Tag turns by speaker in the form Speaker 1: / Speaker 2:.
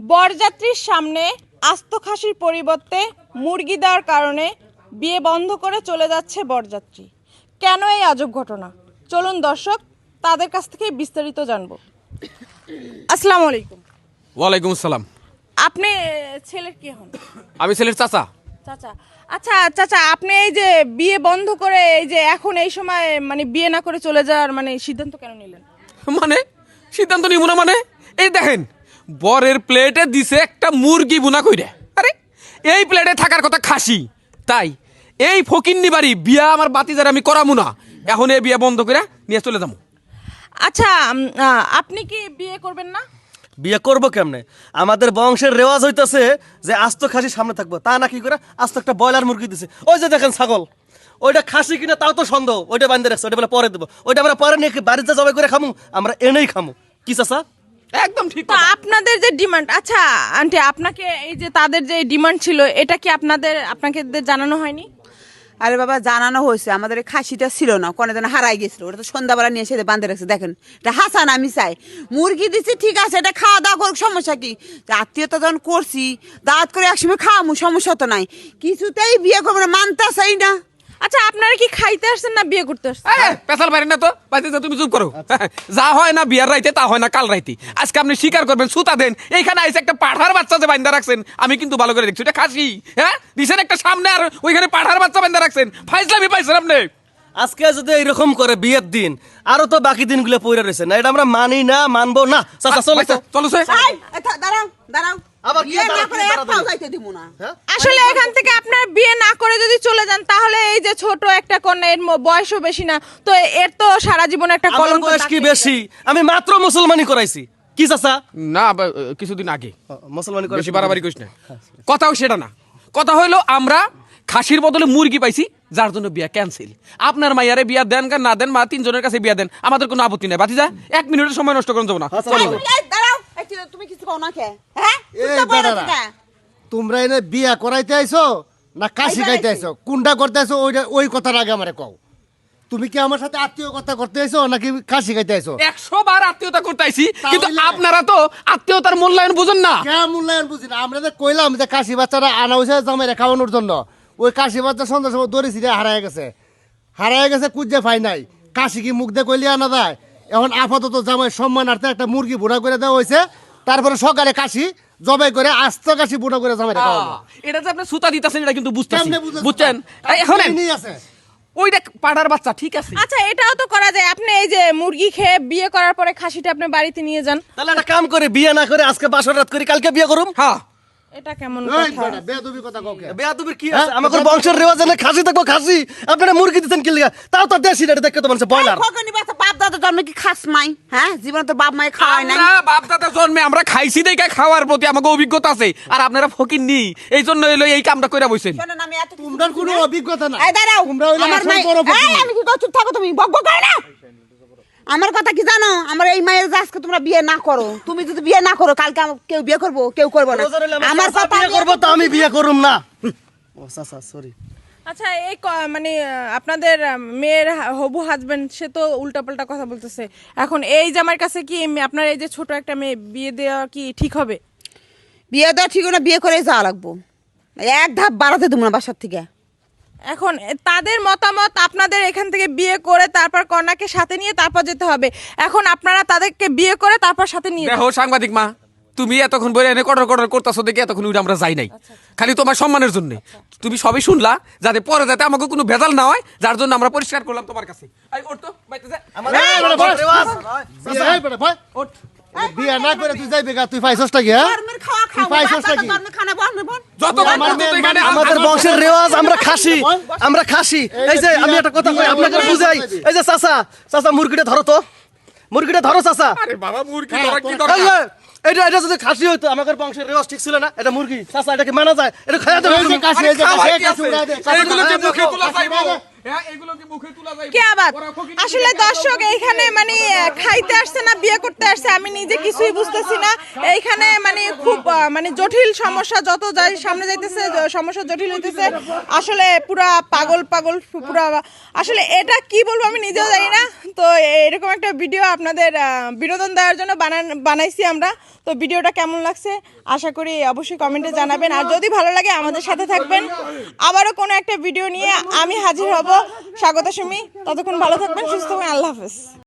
Speaker 1: বরযাত্রীর সামনে আস্ত খাসির পরিবর্তে মুরগি দেওয়ার কারণে বিয়ে বন্ধ করে চলে যাচ্ছে বরযাত্রী। কেন এই আজব ঘটনা? চলুন দর্শক তাদের কাছ থেকে বিস্তারিত জানবো। আসসালামু আলাইকুম।
Speaker 2: ওয়ালাইকুম আসসালাম।
Speaker 1: আপনি ছেলের কি হন?
Speaker 2: আমি ছেলের চাচা।
Speaker 1: চাচা, আচ্ছা চাচা, আপনি এই যে বিয়ে বন্ধ করে এই যে এখন এই সময় মানে বিয়ে না করে চলে যাওয়ার মানে সিদ্ধান্ত কেন নিলেন?
Speaker 2: মানে সিদ্ধান্ত নিব না মানে? এই দেখেন, বরের প্লেটে দিছে একটা মুরগি বুনা কইরে। আরে এই প্লেটে থাকার কথা খাসি, তাই এই ফকিন্নি বাড়ি বিয়া আমার বাতিজার আমি করামু না। এখন এই বিয়া বন্ধ করে নিয়ে চলে যাবো।
Speaker 1: আচ্ছা আপনি কি বিয়ে করবেন না?
Speaker 3: বিয়ে করবো কেমনে? আমাদের বংশের রেওয়াজ হইতেছে যে আস্ত খাসি সামনে থাকবো, তা না কি করে আস্ত একটা ব্রয়লার মুরগি দিছে। ওই যে দেখেন ছাগল, ওইটা খাসি কিনা তাও তো সন্দেহ। ওইটা বান্ধে রাখছে, ওইটা বলে পরে দেবো। ওইটা আমরা পরে নিয়ে বাড়িতে জবাই করে খামু, আমরা এনেই খামু। কি চাচা?
Speaker 2: একদম ঠিক
Speaker 1: তো
Speaker 2: কথা।
Speaker 1: আপনাদের যে ডিমান্ড, আচ্ছা আন্টি, আপনাকে এই যে তাদের যে ডিমান্ড ছিল এটা কি আপনাকে জানানো হয়নি?
Speaker 4: আরে বাবা, জানানো হয়েছে। আমাদের এই খাসিটা ছিল না, কোনো দিন হারাই গেছিল। ওটা তো সন্ধ্যাবেলা নিয়ে এসে বাঁধে রাখছে। দেখেন, এটা হাসান আমি চাই মুরগি দিচ্ছি, ঠিক আছে, এটা খাওয়া দাওয়া করুক, সমস্যা কি? আত্মীয়তা যখন করছি, দাঁত করে একসময় খাওয়ামু, সমস্যা তো নাই। কিছুতেই বিয়ে করবো না, মানতে চাই না।
Speaker 1: আচ্ছা আপনারা কি খাইতে আসছেন না বিয়ে করতে আসছেন?
Speaker 2: পেশাল পারেন না তো বাতিজা, তুমি চুপ করো। যা হয় না বিয়ার রাইতে তা হয় না কাল রাইতে। আজকে আপনি স্বীকার করবেন, সুতা দেন। এইখানে আইসে একটা পাঠার বাচ্চা যে বান্ধা রাখছেন, আমি কিন্তু ভালো করে দেখছি, এটা খাসি। হ্যাঁ দিছেন একটা সামনে, আর ওইখানে পাঠার বাচ্চা বান্ধা রাখছেন। ফাইজলামি পাইছেন আপনি।
Speaker 3: আজকে যদি এইরকম করে বিয়ের দিন, আরো তো বাকি দিনগুলো পড়ে রয়েছে না। এটা আমরা মানি না, মানবো না। চাচা চলো তো।
Speaker 2: চলো
Speaker 4: দাঁড়াও দাঁড়াও,
Speaker 3: আবার কি
Speaker 4: বিয়ে না
Speaker 3: দাঁড়াও,
Speaker 4: করে
Speaker 3: কি
Speaker 4: এক
Speaker 3: দাঁড়াও
Speaker 4: পাও
Speaker 3: তুমি?
Speaker 4: যাইতে দিব না।
Speaker 1: আসলে এখান থেকে আপনার বিয়ে না করে যদি চলে যান, তাহলে এই যে ছোট একটা কন্যা, এর বয়সও বেশি না, তো এর তো সারা জীবন একটা
Speaker 3: আমার
Speaker 1: কলঙ্ক
Speaker 3: বয়স কি
Speaker 1: থাকবেই।
Speaker 3: বেশি? আমি মাত্র মুসলমানি করাইছি। কি চাচা?
Speaker 2: না, কিছুদিন আগে।
Speaker 3: মুসলমানি
Speaker 2: বেশি
Speaker 3: করাইছি।
Speaker 2: বাড়াবাড়ি করিস না। কথাও সেটা না, কথা হইলো আমরা খাসির বদলে মুরগি পাইছি, যার জন্য বিয়া ক্যান্সেল। আপনার মাইয়ারে বিয়া দেন না দেন, মা তিনজনের কাছে বিয়া দেন, আমাদের কোনো আপত্তি নাই। বাতিজা 1 মিনিটের সময় নষ্ট করুন যাবো না। চলো।
Speaker 4: দাঁড়াও, তুমি কিছু কও না কে? হ্যাঁ,
Speaker 5: এই
Speaker 4: চুপচাপ বসে
Speaker 5: দাঁড়ারা।
Speaker 4: থাকা।
Speaker 5: তোমরা এনে বিয়া করাইতে আইছো না কাশি খাইতে আইছো? কোনটা করতে আইছো ওই কথার আগে আমারে কও। তুমি কি আমার সাথে আত্মীয়তা করতে আইছো নাকি কাশি খাইতে আইছো?
Speaker 2: 100 বার আত্মীয়তা করতে আইছি, কিন্তু
Speaker 5: তাহলে?
Speaker 2: আপনারা তো আত্মীয়তার মূল্যায়ন বুঝুন না।
Speaker 5: কে মূল্যায়ন বুঝি না? আমরা যে কইলাম যে কাশি বাচ্চারা আনা হয়েছে জামাইরে খাওয়ানোর জন্য, ওই কাশি বাচ্চা সন্ধ্যার সময় দড়ি ছিঁড়ে হারায় গেছে কুজ্জে ফাই নাই। কাশি কি মুখ দিয়ে কইলে আনা যায়? এখন আপাতত জামাই সম্মানার্থে একটা মুরগি বুড়া করে দেওয়া হয়েছে, তারপরে সকালে কাশি জবাই করে আস্ত কাশি বুড়া করে জামাইরে খাওয়াবো।
Speaker 2: এটা যে আপনি সুতা দিতেছেন, এটা কিন্তু বুঝতেছি,
Speaker 5: কেমনে বুঝতেছো?
Speaker 2: বুঝছেন? এখন
Speaker 5: কাহিনী আছে।
Speaker 2: ওইটা পাড়ার বাচ্চা, ঠিক আছে।
Speaker 1: আচ্ছা এটাও তো করা যায়, আপনি এই যে মুরগি খেয়ে বিয়ে করার পরে খাসিটা আপনি বাড়িতে নিয়ে যান।
Speaker 3: তাহলে একটা কাম করে বিয়ে না করে আজকে বাসর রাত করি, কালকে বিয়ে করুম।
Speaker 2: হ্যাঁ,
Speaker 1: এটা কেমন
Speaker 5: এই
Speaker 1: কথা?
Speaker 5: বেটা, বেয়াদবি কথা কও কে?
Speaker 3: বেয়াদবির কি আছে? আমাদের বংশের রেওয়াজ না খাসি থাকবো খাসি। আপনারা মুরগি দিচ্ছেন কি লিগা? তাও তো দেশি রেটে দেখতে তো মানুষ ব্রয়লার।
Speaker 4: খোকনি বাচ্চা, বাপ দাদা জন্মে কি খাস মাই? হ্যাঁ, জীবনে তো বাপ মাই খাওয়ায় নাই।
Speaker 2: আমরা বাপ দাদা জন্মে আমরা খাইছি দেখে খাওয়ার প্রতি আমাকে অভিজ্ঞতা আছে, আর আপনারা ফকির নি, এই জন্য হইলো এই কামটা কইরা বইছেন।
Speaker 4: শোনেন, আমি এত কিছু
Speaker 5: তোমরা কোনো অভিজ্ঞতা না।
Speaker 4: এই দাঁড়াও,
Speaker 5: তোমরা হইলে
Speaker 4: আমার
Speaker 5: আসল
Speaker 4: মাই,
Speaker 5: বড় ফকির।
Speaker 4: এই আমি কি কও, চুপ থাকো তুমি, বকবক করো না। আমার কথা কি জানো? আমার এই মায়ের যে আজকে তোমরা বিয়ে না করো, তুমি যদি বিয়ে না করো, কালকে কেউ বিয়ে করবো, কেউ করবো না। আমার কথা
Speaker 3: বিয়ে করবো তো আমি বিয়ে করুম না। ও চাচা সরি।
Speaker 1: আচ্ছা এই মানে আপনাদের মেয়ের হবু হাজবেন্ড সে তো উল্টাপাল্টা কথা বলতেছে। এখন এই জামার কাছে কি আপনার এই যে ছোট একটা মেয়ে বিয়ে দেওয়া কি ঠিক হবে?
Speaker 4: বিয়ে দেওয়া ঠিক না, বিয়ে করে যাওয়া লাগবো। এক ধাপ বাড়াতে দেবো না বাসার থেকে।
Speaker 1: এখন তাদের মতামত, আপনাদের এখান থেকে বিয়ে করে তারপর কন্যাকে সাথে নিয়ে তারপর যেতে হবে। এখন আপনারা তাদেরকে বিয়ে করে তারপর সাথে নিয়ে
Speaker 2: দেখো সাংবাদিক মা, তুমি এতক্ষণ বলে এনে কটর কটর করতেছো দেখে এতক্ষণ উঠে আমরা যাই নাই, খালি তোমার সম্মানের জন্য। তুমি সবই শুনলা, যাতে পরে যাতে আমাকে কোনো ভেজাল না হয়, যার জন্য আমরা পরিষ্কার করলাম তোমার কাছে। এই ওঠ তো, বাইতে যা।
Speaker 3: আমাদের বংশের রেওয়াজ।
Speaker 5: এই বেটা, ভয়।
Speaker 2: ওঠ।
Speaker 5: বিয়া না করে তুই যাইবে গা? তুই পাইছস কি? হ্যাঁ,
Speaker 4: ধর্মের খাওয়া
Speaker 5: তুই
Speaker 4: খাও,
Speaker 5: পাইছস
Speaker 4: বাচ্চা
Speaker 5: নাকি?
Speaker 4: ধর্মের খানা বন্ধ বন্ধ।
Speaker 2: যত
Speaker 5: আমার মেয়ে-
Speaker 2: এখানে
Speaker 3: আমাদের বংশের রেওয়াজ, আমরা খাসি, আমরা খাসি। এই যে আমি একটা কথা কই আপনাকে বুঝাই। এই যে চাচা মুরগিটা ধরো তো, মুরগিটা ধরো চাচা।
Speaker 2: আরে বাবা, মুরগি
Speaker 5: হ্যাঁ,
Speaker 2: ধরা কি
Speaker 5: তোর
Speaker 2: দরকার?
Speaker 3: এই যে, এটা যদি খাসি হইতো, আমাদের বংশের রেওয়াজ ঠিক ছিল না। এটা মুরগি চাচা, এটা কি মানা যায়? এটা খাইয়া দেবে
Speaker 5: এই যে
Speaker 3: তুমি।
Speaker 5: কাশি, এই যে
Speaker 2: খাওয়াই
Speaker 5: কাশি,
Speaker 2: কি
Speaker 5: কাশি
Speaker 2: আছে?
Speaker 5: উড়াই দে।
Speaker 2: এগুলো কি মুখে তোলা
Speaker 5: কাশি
Speaker 2: যাইবো?
Speaker 5: উড়াই দে।
Speaker 2: হ্যাঁ, এগুলো কি মুখে তোলা যাইবো?
Speaker 1: কে আবার?
Speaker 2: ওরা ফকির
Speaker 1: আসলে দর্শক এইখানে মানে খাইতে আসছে না বিয়ে করতে আসছে আমি নিজে কিছুই বুঝতেছি না। এইখানে মানে খুব মানে জটিল সমস্যা, যত যাই সামনে যাইতেছে সমস্যা জটিল হইতেছে। আসলে পুরা পাগল পুরা, আসলে এটা কি বলবো আমি নিজেও জানি না। তো এরকম একটা ভিডিও আপনাদের বিনোদন দেওয়ার জন্য বানাইছি আমরা। তো ভিডিওটা কেমন লাগছে আশা করি অবশ্যই কমেন্টে জানাবেন, আর যদি ভালো লাগে আমাদের সাথে থাকবেন। আবারও কোনো একটা ভিডিও নিয়ে আমি হাজির হব। স্বাগত সুমি, ততক্ষণ ভালো থাকবেন, সুস্থ থাকবেন, আল্লাহ হাফেজ।